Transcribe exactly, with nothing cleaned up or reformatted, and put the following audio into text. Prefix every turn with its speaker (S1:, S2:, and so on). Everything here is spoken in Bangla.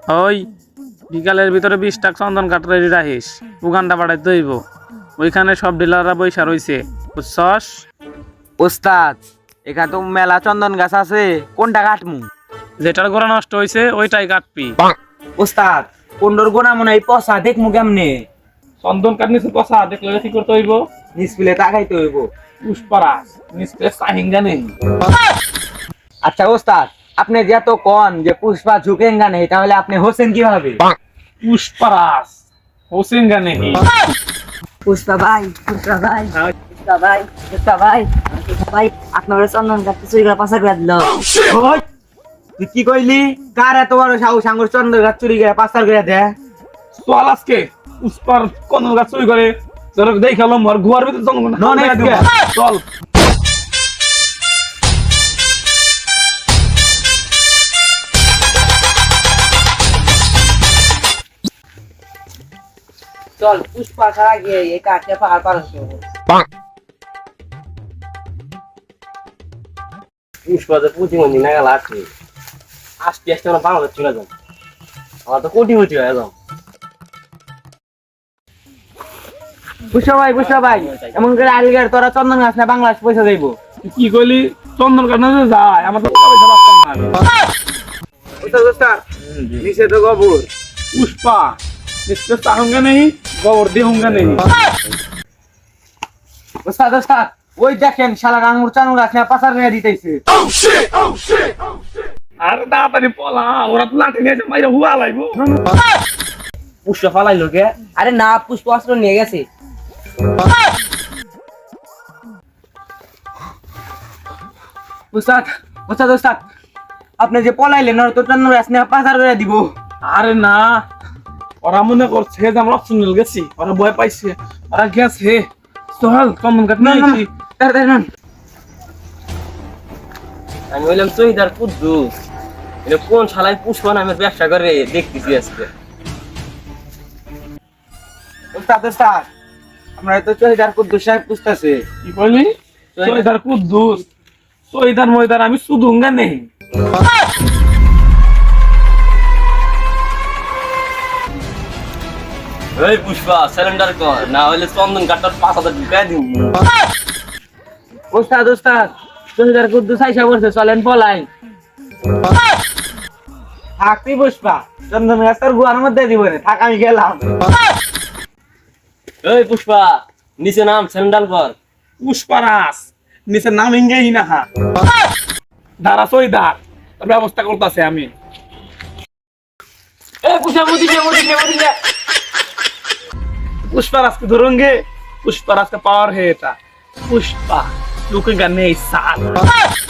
S1: ওই বিকালের ভিতরে বিশ টাকা চন্দন কাঠ রেডি রাখিস, উগানটা পাঠাইতে হইব। ওইখানে সব ডিলাররা বৈশা রইছে, বুঝছস?
S2: ওস্তাদ, এখানে তো মেলা চন্দন গাছ আছে, কোনটা কাটমু?
S1: যেটার গোড়া নষ্ট হইছে ওইটাই কাটবি।
S2: ওস্তাদ, কোনটার গোনা মনে হয় পচা, দেখমু কেমনে?
S1: চন্দন কাঠ নিচে পচা দেখলে কি করতে হইব?
S2: নিচপিলে তাকাইতে হইব।
S1: পুষ্পারাস নিচে চাহিঙ্গা নেই।
S2: আচ্ছা ওস্তাদ, আপনি যত কন যে পুষ্পা ঝুঁকেঙ্গা নেই, তাহলে আপনি হোসেন কিভাবে?
S1: পুষ্পারাস হোসেঙ্গা নেই।
S3: পুষ্পা ভাই, পুষ্পা ভাই, পুষ্পা ভাই, পুষ্পা ভাই, পুষ্পা ভাই, আপনার চন্দন কাটতে চুরি করে পাশা করে দিল।
S2: ওই, তুই কি কইলি? কার এত বড় সাহস আঙ্গুর চন্দন গাছ চুরি করে পাচার করে দে?
S1: চল আজকে পুষ্পার চন্দন গাছ চুরি করে তোর দেখালাম আর ঘুয়ার ভিতরে চন্দন
S2: No, next year.
S1: চল।
S3: চল পুষ্পা ছাড়া গিয়ে এই কাঠে পাহাড় পার হতে হবে।
S4: পুষ্পাতে প্রতিমন্দির নাগাল আছে, আজকে আজকে আমরা বাংলাদেশ চলে যাবো, আমার তো কোটিপতি হয়ে যাবো।
S2: পুষ্পা ভাই, পুষ্পা ভাই, এমন করে আলগার তোরা চন্দন গাছ না বাংলাদেশ পয়সা দেব।
S1: তুই কি কইলি? চন্দন কাঠ না যে যায় আমার তো টাকা পয়সা পাচ্তাম না আমি।
S2: ওস্তাদ, ওস্তাদ, নিচে তো গোবর।
S1: पुष्पा इससे चाहूंगा नहीं गौर दूंगा नहीं।
S2: ওস্তাদ, ওস্তাদ, ওই দেখেন শালা আঙ্গুর চন্দন গাছ না পাচার করে দিতেছে।
S1: আর তাড়াতাড়ি পলা, ওরা তো লাঠি নিয়ে মাইরা হুয়া লাইবো।
S4: পুষ্পা ফালাইলো কে?
S3: আরে না, পুষ্প অস্ত্র নিয়ে গেছে।
S2: ওস্তাদ, ওস্তাদ, ওস্তাদ, আপনি যে পলাইলেন ওরা তো চন্দন গাছ না পাচার করে দিব।
S1: আরে না, ওরা মনে করছে যে আমরা অপশনাল গেছি, ওরা ভয় পাইছে, ওরা গেছে। চল চন্দন কাঠ নিয়ে আইছি।
S2: তাড়াতাড়ি নন।
S4: আমি বললাম চহিদার কুদ্দুস, এটা কোন শালায় পুষ্পা নামের ব্যবসা করে দেখতেছি আজকে।
S2: ওস্তাদ, ওস্তাদ, আমরা তো চহিদার কুদ্দুস সাহেব বুঝতেছে।
S1: কি কইলি? সৈদার কুদ্দুস, সৈদার ময়দার আমি সুদুঙ্গা নেই।
S4: এই পুষ্পা সিলিন্ডার কর, না হলে চন্দন কাঠটার পাঁচ হাজার ঢুকাই দিব।
S2: ওস্তাদ, ওস্তাদ, চহিদার কুদ্দুস আইসা বলছে চলেন পলাই। থাকবি পুষ্পা, চন্দন গাছ তোর গুয়ার মধ্যে দিব রে, থাক আমি গেলাম।
S4: এই পুষ্পা নিচে নাম, সিলিন্ডার কর।
S1: পুষ্পারাস নিচে নাম ইঙ্গেই না হা দাঁড়া সৈদার, তার ব্যবস্থা করতেছে আমি।
S2: এই পুষ্পা মুদিছে, মুদিছে, মুদিছে।
S1: पुष्पाराज के धरूंगे, पुष्पाराज का पावर है। पुष्पा लुकेगा नहीं साथ।